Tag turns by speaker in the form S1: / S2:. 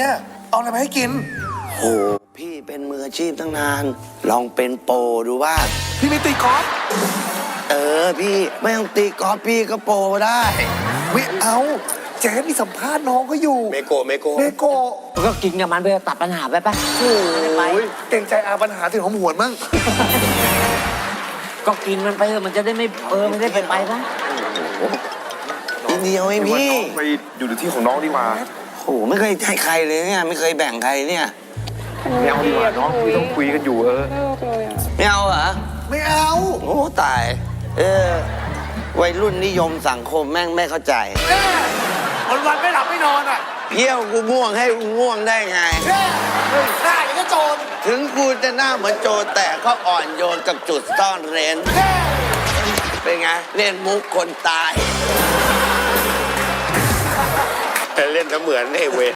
S1: อะเอาอะไรมาให้กิน
S2: โอ้พี่เป็นมืออาชีพตั้งนานลองเป็นโปรดูบ้าง
S1: พี่ไม่ตีกอล์ฟ
S2: พี่ไม่ต้องตีกอล์ฟพี่ก็โปรได้
S1: ไม่เอาเจ๊มีสัมภาษณ์น้องเขาอยู่เมโกะ
S3: ก็กินกับมันเพื่อตัดปัญหาไปปะ
S1: โอ้ยเก่งใจอาปัญหาถึงหอมหวนมั่ง
S3: ก็กินมันไปเถอะมันจะได้ไม่ไม่ได้ไปปะ
S2: นิดเดียวเองพี่
S4: ไปอยู่ในที่ของน้องดีกว่า
S2: โอ้ไม่เคยให้ใครเลยเนี่ยไม่เคยแบ่งใครเนี่ย
S4: ไม่เอาดีกว่าน้องพี่ต้องคุยกันอยู่
S2: ไม่เอาเหรอ
S1: ไม่เอา
S2: โอ้ตายวัยรุ่นนิยมสังคมแม่งไม่เข้าใจ
S1: วันไม่หลับไม่นอนอ่ะ
S2: เที่ยวกูง่วงให้กูง่วงได้ไง
S1: หน้าอย่างก็โจร
S2: ถึงกูจะหน้าเหมือนโจรแต่ก็อ่อนโยนกับจุดซ่อนเร้นเป็นไงเล่นมุกคนตาย
S4: เล่นเสมือนไอ้เว